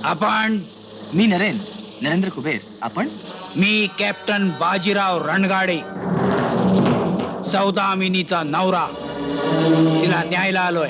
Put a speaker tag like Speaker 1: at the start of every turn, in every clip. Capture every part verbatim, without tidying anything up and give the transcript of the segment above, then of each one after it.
Speaker 1: आपण?
Speaker 2: मी नरेन नरेंद्र कुबेर. आपण?
Speaker 1: मी कॅप्टन बाजीराव रणगाडे, सौदामिनीचा नवरा. तिला न्यायला आलोय.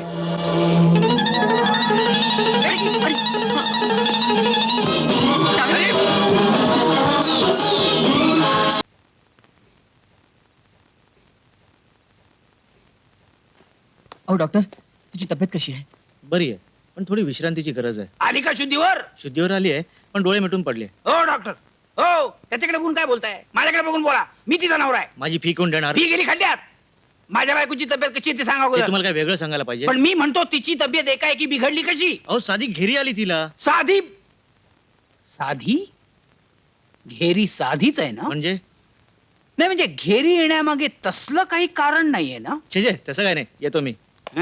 Speaker 2: अहो डॉक्टर, तुझी तब्येत कशी आहे?
Speaker 3: बरी आहे, पण थोडी विश्रांतीची गरज आहे.
Speaker 1: आली का शुद्धीवर?
Speaker 3: शुद्धीवर आली आहे, पण डोळे मिटून पडले.
Speaker 1: हो डॉक्टर, हो. त्याच्याकडे बघून काय बोलताय? माझ्याकडे बघून बोला. मी तिचा नवरा आहे.
Speaker 3: माझी फी कोण देणार?
Speaker 1: ती गेली खड्ड्यात. माझ्या बायकोची तब्येत कशी आहे ते सांगा
Speaker 3: ते
Speaker 1: अगोदर.
Speaker 3: तुम्हाला काय वेगळं सांगायला पाहिजे?
Speaker 1: पण मी म्हणतो तिची तब्येत एकाएकी बिघडली कशी?
Speaker 3: अहो साधी घेरी आली तिला.
Speaker 1: साधी साधी घेरी साधीच आहे ना?
Speaker 3: म्हणजे
Speaker 1: नाही म्हणजे घेरी येण्यामागे तसलं काही कारण नाहीये ना?
Speaker 3: छे छे, तसं काय नाही. येतो मी.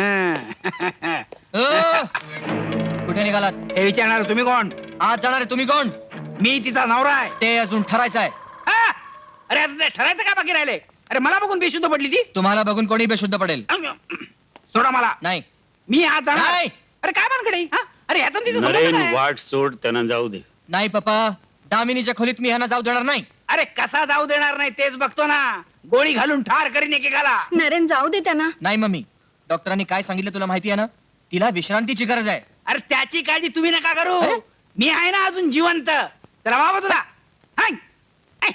Speaker 2: कुठे निघालात?
Speaker 1: हे विचारणार तुम्ही कोण?
Speaker 2: आज जाणार आहे तुम्ही कोण?
Speaker 1: मी तिचा नवरा आहे.
Speaker 2: ते अजून ठरायचं आहे.
Speaker 1: हा? अरे आता ते ठरायचं का बाकी राहिले? अरे मला बघून बेशुद्ध पडली ती.
Speaker 2: तुम्हाला बघून कोणी बेशुद्ध पडेल?
Speaker 1: सोडा मला.
Speaker 2: नाही.
Speaker 1: मी आज जाणार.
Speaker 2: नाही.
Speaker 1: अरे काय मानकडे? हा? अरे ह्याचा आणि तिचा संबंध
Speaker 4: नरेन
Speaker 1: काय?
Speaker 4: वाट सोड, त्यांना जाऊ दे.
Speaker 2: नाही पप्पा, दामिनीच्या खोलीत मी ह्यांना जाऊ देणार नाही.
Speaker 1: अरे कसा जाऊ देणार नाही तेच बघतो ना. गोळी घालून ठार करीन एकेकाला.
Speaker 5: नरेन जाऊ दे त्यांना.
Speaker 2: नाही मम्मी, डॉक्टरांनी काय सांगितलं तुला माहिती आहे ना? तिला विश्रांतीची गरज आहे.
Speaker 1: अरे त्याची काळजी तुम्ही नका करू. मी आहे ना अजून जिवंत. चला बाबा तुला. Hi. Hi.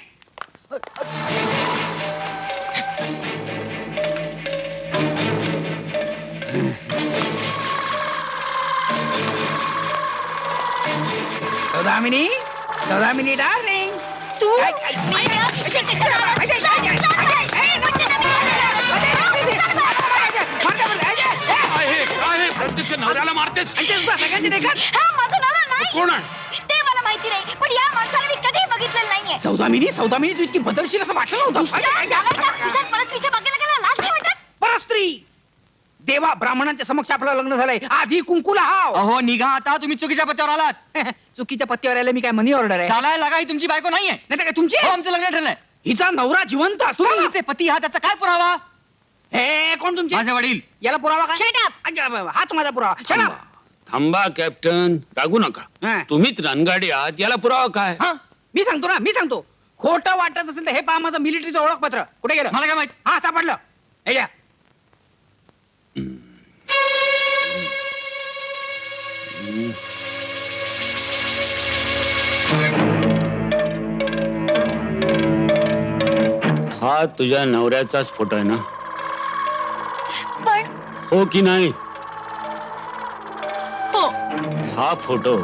Speaker 1: Saudamini, Saudamini darling.
Speaker 5: तू
Speaker 1: काय- काय-
Speaker 5: मी ना इथे कशाला आला?
Speaker 1: काय- काय- काय- काय- काय- काय- काय-
Speaker 5: म्हणते ना मी.
Speaker 4: प्रत्यक्ष नवऱ्याला मारतेस.
Speaker 1: सगळ्यांची देखत.
Speaker 5: हा, माझा नवरा नाही.
Speaker 4: कोण आहे?
Speaker 5: ते मला माहिती नाही, पण या माणसाला मी कधीही बघितलेलं नाहीये.
Speaker 1: सौदामिनी, सौदामिनी तू इतकी बदलशील असं वाटलं
Speaker 5: दुष्ट,
Speaker 1: नव्हतं.
Speaker 5: नालायक, तुझ्या परस्त्रीच्या बागेला गेला लाज नाही वाटत?
Speaker 1: परस्त्री देवा ब्राह्मणांच्या समक्ष आपलं लग्न झालंय. आधी कुंकुला हाव.
Speaker 2: अहो निघा आता, तुम्ही चुकीच्या पत्त्यावर आलात.
Speaker 1: चुकीच्या पत्त्यावर आले मी काय मनी ऑर्डर आहे?
Speaker 2: चालायला लागा, ही तुमची बायको नाहीये.
Speaker 1: नाही तर काय तुमची?
Speaker 2: हो, आमचं लग्न ठरलंय.
Speaker 1: हिचा नवरा जिवंत असतो.
Speaker 2: तुम्ही हिचे पती आहात, त्याचा काय पुरावा?
Speaker 1: हे कोण तुमचे?
Speaker 2: माझे वडील.
Speaker 1: याला पुरावा काय?
Speaker 5: Shut up.
Speaker 1: अच्छा, बाबा, हाच माझा पुरावा. Shut up.
Speaker 4: थांबा कॅप्टन, रागू नका.
Speaker 1: हा.
Speaker 4: तुम्हीच रणगाडी आहात, याला पुरावा काय?
Speaker 1: हा, मी सांगतो ना, मी सांगतो. खोटं वाटत असेल तर हे पहा माझं मिलिटरीचं ओळखपत्र. कुठे गेलं?
Speaker 2: मला काय माहित?
Speaker 1: हा सापडलं. हे घ्या.
Speaker 4: हा तुझ्या नवऱ्याचाच फोटो आहे ना?
Speaker 5: पण
Speaker 4: हो की नाही?
Speaker 5: हो,
Speaker 4: हा फोटो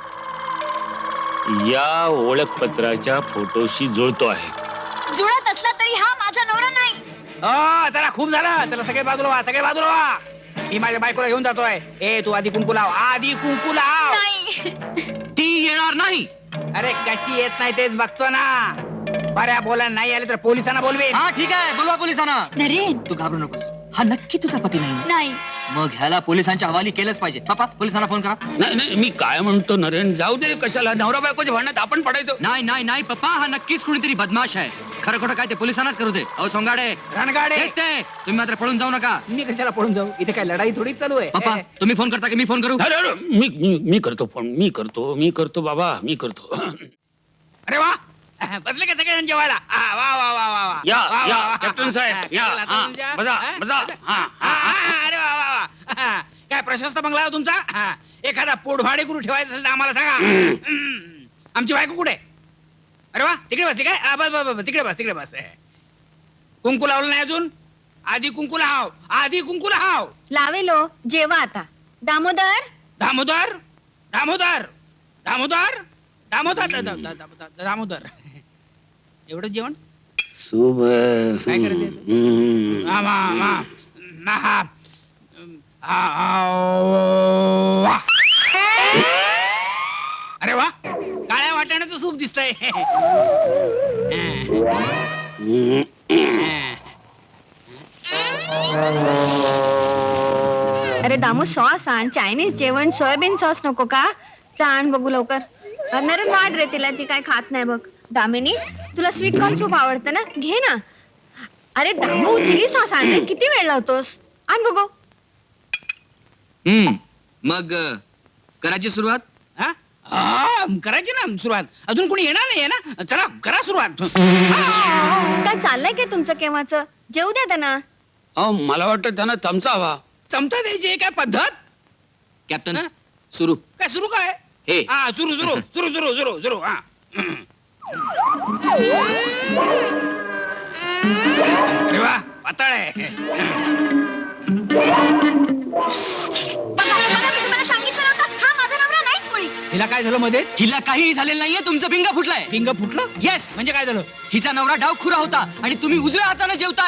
Speaker 4: या ओळखपत्राच्या फोटोशी जुळतो आहे.
Speaker 5: जुळत असला तरी हा माझा नवरा नाही.
Speaker 1: हो, चला खूप झालं. चला सगळे बाजूला व्हा, सगळे बाजूला व्हा. मी माझ्या बायकोला घेऊन जातोय. ए तू आधी कुंकू लाव, आधी कुंकू लाव.
Speaker 5: नाही.
Speaker 2: ती येणार नाही.
Speaker 1: अरे कशी येत नाही तेच बघतो ना. बऱ्या बोला नाही आले तर पोलिसांना बोलवेन.
Speaker 2: हा ठीक आहे, बोलवा पोलिसांना.
Speaker 5: नरेन
Speaker 2: तू घाबरू नकोस. हा नक्की तुझा पती नाही.
Speaker 5: नाही.
Speaker 2: मग ह्याला पोलिसांच्या हवाली केलंच पाहिजे. पापा, पोलिसांना फोन करा.
Speaker 4: नाही नाही, मी काय म्हणतो नरेन, जाऊ दे. कशाला नवरा बायकोच्या भांडणात आपण पडायचो?
Speaker 2: नाही नाही नाही पप्पा, हा नक्कीच कुणीतरी बदमाश आहे. खरं खोटं काय ते पोलिसांनाच करू दे. अहो सोंगाडे,
Speaker 1: रणगाडे.
Speaker 2: तेच ते. तुम्ही मात्र पळून जाऊ नका.
Speaker 1: मी कशाला पळून जाऊ? इथे काय लढाई थोडीच चालू आहे.
Speaker 2: पप्पा, तुम्ही फोन करता की मी फोन करू?
Speaker 4: अरे अरे, मी मी- मी करतो फोन. मी करतो मी करतो बाबा, मी करतो.
Speaker 1: अरे वा, बसले का सगळेजण जेवायला? आ, वा वा वा वा वा.
Speaker 4: या,
Speaker 1: वा, वा,
Speaker 4: या,
Speaker 1: वा.
Speaker 4: कॅप्टन साहेब,
Speaker 1: हा,
Speaker 4: या.
Speaker 1: चला,
Speaker 4: हा,
Speaker 1: तुमच्या-
Speaker 4: बसा,
Speaker 1: हा,
Speaker 4: बसा. हा,
Speaker 1: हा, हा, अरे वा वा वा. हा, काय प्रशस्त बंगला आहे हो तुमचा? हा, एखादा पोटभाडे करू ठेवायचं असेल तर आम्हाला सांगा. हम्म. आमची बायको कुठे? अरे वा, तिकडे बसली काय? हा, बस बस बस, तिकडे बस, तिकडे बस. कुंकू लावलं नाही अजून? आधी कुंकू लाव, आधी कुंकू लाव.
Speaker 5: लावेलो, जेवा आता. दामोदर,
Speaker 1: दामोदर, दामोदर, दामोदर, दामोदर, दा- दा- दा- दा- दामोदर. एवढं जेवण?
Speaker 4: शुभ.
Speaker 1: काय करायचं?
Speaker 4: हम्म.
Speaker 1: हा, मा, मा, मा, हा. आ, आ, वा. अरे वा, काळ्या वाटाण्याचं सूप दिसतंय.
Speaker 4: हम्म.
Speaker 5: अरे दामू सॉस आण. चायनीज जेवण, सोयाबीन सॉस नको का? आण बघू लवकर. नरेन वाढ रे तिला, ती काय खात नाही बघ. दामिनी, तुला स्वीट कॉर्न सूप आवडतं ना? घे ना. अरे दामू, चिली सॉस आणले. किती वेळ लावतोस? आण बघू.
Speaker 2: हम्म मग अ, करायची सुरुवात?
Speaker 1: हा? हा करायची ना सुरुवात. अजून कोणी येणार नाहीये ना, चला करा सुरुवात. हा.
Speaker 5: काय चाललंय काय तुमचं केव्हाच? जेऊ द्या त्यांना.
Speaker 4: अहो मला वाटतं त्यांना चमचा हवा.
Speaker 1: चमचा द्यायची आहे काय पद्धत?
Speaker 2: कॅप्टन
Speaker 1: हा?
Speaker 2: सुरू.
Speaker 1: काय सुरू काय?
Speaker 2: हे.
Speaker 1: हा सुरू सुरू सुरू सुरू सुरू सुरू हा. अरे वा पातळ आहे.
Speaker 5: बघा बघा, मी तुम्हाला सांगितलं नव्हतं, हा माझा नवरा नाहीच मुळी.
Speaker 1: हिला काय झालं मध्येच?
Speaker 2: हिला काहीही झालेलं नाहीये, तुमचं पिंगा फुटलाय.
Speaker 1: पिंग फुटलं?
Speaker 2: येस.
Speaker 1: म्हणजे काय झालं?
Speaker 2: हिचा नवरा डावखुरा होता आणि तुम्ही उजव्या हाताने जेवताय.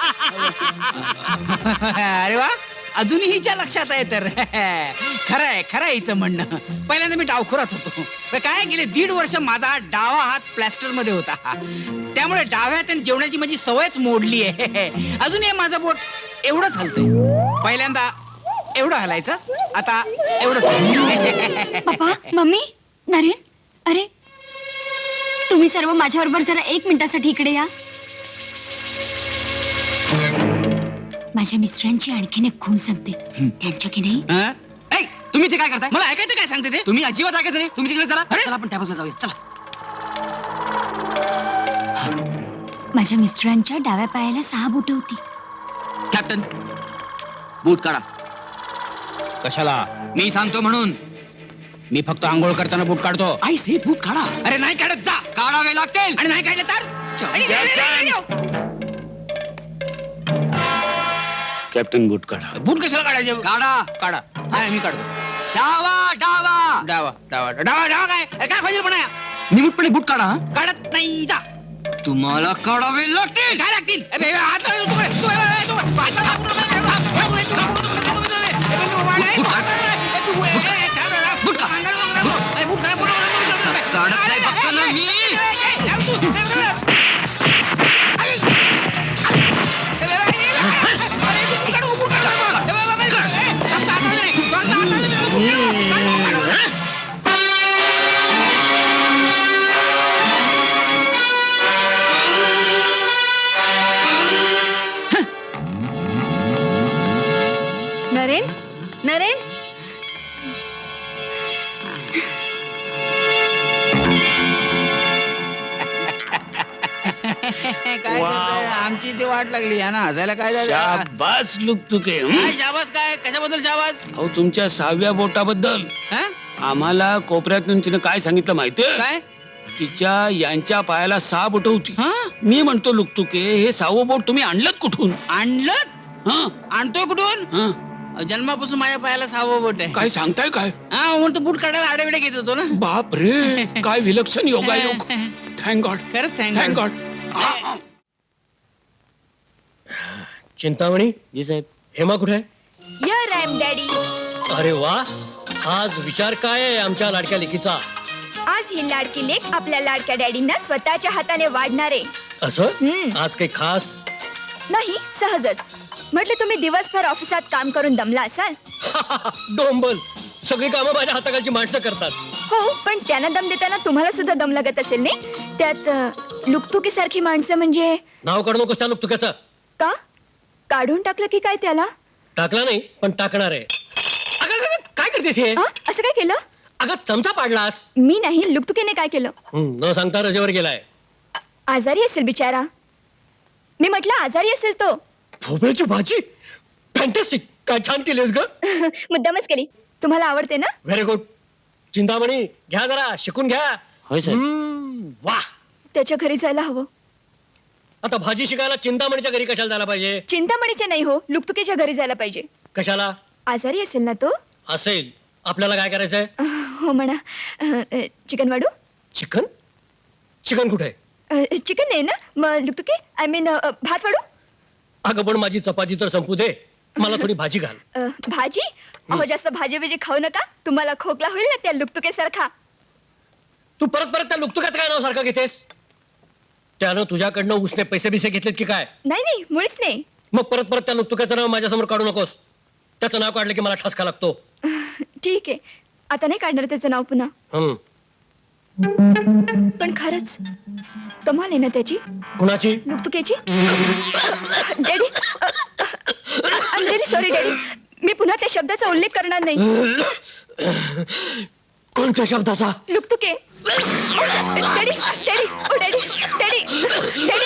Speaker 1: अरे वा अजूनही हिच्या लक्षात आहे तर. खरं आहे खरं आहे हिचं म्हणणं. पहिल्यांदा मी डावखुराच होतो. पण काय गेले दीड वर्ष माझा डावा हात प्लॅस्टर मध्ये होता, त्यामुळे डाव्या हाताने जेवणाची माझी सवयच मोडली आहे. अजूनही माझं बोट एवढंच हलतंय. पहिल्यांदा एवढं हलायचं, आता एवढं.
Speaker 5: पप्पा मम्मी नरेन, अरे तुम्ही सर्व माझ्याबरोबर जरा एक मिनिटासाठी इकडे या. माझ्या मिस्टरांची आणखीन एक खूण सांगते. त्यांच्या की नाही
Speaker 1: हा?
Speaker 2: ऐ, तुम्ही ते काय करताय?
Speaker 1: मला ऐकायचं काय सांगते ते?
Speaker 2: तुम्ही अजिबात ऐकायचं नाही. तुम्ही तिकडे चला.
Speaker 1: अरे?
Speaker 2: चला आपण त्या बाजूला जाऊया. चला.
Speaker 5: माझ्या मिस्टरांच्या डाव्या पायाला सहा बोट होती.
Speaker 2: कॅप्टन बूट काढा.
Speaker 1: कशाला?
Speaker 2: मी सांगतो म्हणून.
Speaker 1: मी फक्त आंघोळ करताना बूट काढतो.
Speaker 2: आई से बूट काढा.
Speaker 1: अरे नाही काढत जा.
Speaker 2: काढावे लागतील.
Speaker 1: आणि नाही काढलं तर आई, आई, आई, आई, आई.
Speaker 4: कॅप्टन बूट काढा.
Speaker 1: बूट कशाला काढायचे?
Speaker 2: काढा.
Speaker 1: काढा. नाही मी काढतो.
Speaker 2: डावा डावा
Speaker 1: डावा डावा डावा डावा काय? अरे काय पाहिजे पण
Speaker 2: निमूटपणे बूट काढा.
Speaker 1: काढत नाही जा.
Speaker 2: तुम्हाला काढावे लागतील.
Speaker 1: काय लागतील? ए, बे, बे, हात लावू नको. तू, तू, ए, तू, हात लावू नको. ए, बे, तू, तू, तू, तू, ए, बे, तू, वाढ, ए,
Speaker 2: बूट काढ.
Speaker 1: ए, तू, ए, ए, काय बे,
Speaker 2: बूट काढ.
Speaker 1: अंगाला नको, नको. ए, बूट काढ, बूट काढ, बूट काढ.
Speaker 2: असं काढत नाही बघतो ना मी.
Speaker 1: ए, ए, ए, लाव तू. ए, बे, बे. आई. ए, बे, बे, ए, अरे, बूट काढ, बूट काढ. ए, बे, बे, बे, ए, फक्त हाताने नाही. फक्त हाताने नाही. बूट काढ, बूट काढ.
Speaker 5: नरेन नरेन
Speaker 1: काय करताय? आमची ती वाट लागली आहे ना हसायला. काय झालं?
Speaker 4: शाबास लुकतुके. हं?
Speaker 1: काय शाबास? काय कशाबद्दल शाबास?
Speaker 4: अहो तुमच्या सहाव्या बोटाबद्दल
Speaker 1: हा?
Speaker 4: आम्हाला कोपऱ्यातून तिने काय सांगितलं माहितीये?
Speaker 1: काय?
Speaker 4: तिच्या यांच्या पायाला सहा बोट होती.
Speaker 1: हा?
Speaker 4: मी म्हणतो लुकतुके हे सहावं बोट तुम्ही आणलं कुठून?
Speaker 1: आणलं?
Speaker 4: हं?
Speaker 1: आणतोय कुठून?
Speaker 4: हं?
Speaker 1: जन्मापासून माझ्या पायाला सहावं बोट आहे.
Speaker 4: काय सांगताय काय?
Speaker 1: हा म्हणतो बूट काढायला आडेविडे घेत होतो ना.
Speaker 4: बाप रे काय विलक्षण योगायोग. Thank God.
Speaker 1: खरंच
Speaker 4: thank
Speaker 1: thank
Speaker 4: God.
Speaker 3: Chintamani ji Saheb, Hema कुठे आहे?
Speaker 5: यर आय एम डॅडी.
Speaker 3: अरे वा, आज विचार काय आहे आमच्या लाडक्या लेकीचा?
Speaker 5: आज ही लाडकी लेक आपल्या लाडक्या डॅडींना स्वतःच्या हाताने वाढणार आहे.
Speaker 3: असं
Speaker 5: हम्म.
Speaker 3: आज काही खास?
Speaker 5: नाही, सहजच. म्हटलं तुम्ही दिवसभर ऑफिसात काम करून दमला असाल.
Speaker 3: डोंबल, सगळी कामं माझ्या हाताखालची माणसं करतात.
Speaker 5: हो, पण त्यांना दम देताना तुम्हाला सुद्धा दम लागत असेल नाही? त्यात लुकतुकी सारखी माणसं म्हणजे.
Speaker 3: नाव काढू नकोस त्या तुक्याचं.
Speaker 5: का काढून टाकलं की काय त्याला?
Speaker 3: टाकला नाही पण टाकणार आहे. अगं, अगं, अगं, काय करतेस हे?
Speaker 5: हा? असं काय केलं?
Speaker 3: अगं चमचा पाडलास.
Speaker 5: मी नाही, लुकतुकीने काय केलं?
Speaker 3: हं, न सांगता रजेवर गेलाय.
Speaker 5: आजारी असेल बिचारा. मी म्हटलं आजारी असेल तो.
Speaker 3: भोपळ्याची भाजी फॅन्टॅस्टिक. काय छान केलीस ग.
Speaker 5: मुद्दामच केली. तुम्हाला आवडते ना?
Speaker 3: Very good. चिंतामणी घ्या जरा शिकून घ्या.
Speaker 4: होय साहेब.
Speaker 3: हम्म, वा.
Speaker 5: त्याच्या घरी जायला हवं.
Speaker 3: आता भाजी शिकायला चिंतामणीच्या घरी कशाला जायला पाहिजे?
Speaker 5: चिंतामणीच्या नाही हो, लुकतुकीच्या घरी जायला पाहिजे.
Speaker 3: कशाला?
Speaker 5: आजारी असेल ना तो.
Speaker 3: असेल. आपल्याला काय करायचंय?
Speaker 5: हो म्हणा. अ, चिकन वाढू?
Speaker 3: चिकन? चिकन कुठे?
Speaker 5: अ, चिकन नाही ना, मग लुकतुकी आय मीन भात वाढू?
Speaker 3: अगं पण माझी चपाती तर संपू दे, मला थोडी भाजी घाल.
Speaker 5: अ, भाजी? अहो जास्त भाजी बिजी खाऊ नका, तुम्हाला खोकला होईल ना त्या लुकतुकेसारखा.
Speaker 3: तू परत परत त्या लुकतुकाचं काय नाव सारखं घेतेस? त्यानं तुझ्याकडनं उसने पैसे बिसे घेतलेत की काय?
Speaker 5: नाही नाही, मुळीच नाही.
Speaker 3: मग परत परत त्या लुकतुकाचं नाव माझ्यासमोर काढू नकोस. त्याचं नाव काढलं की मला ठसका लागतो.
Speaker 5: ठीक आहे, आता नाही काढणार त्याचं नाव पुन्हा.
Speaker 3: हम्म.
Speaker 5: पण खरंच कमाल आहे ना त्याची,
Speaker 3: कुणाची?
Speaker 5: लुकतुकेची. Daddy, I am very sorry daddy. मी पुन्हा त्या शब्दाचा उल्लेख करणार नाही.
Speaker 3: कोणत्या शब्दाचा
Speaker 5: लुकतुके डॅडी डॅडी ओ डॅडी डॅडी डॅडी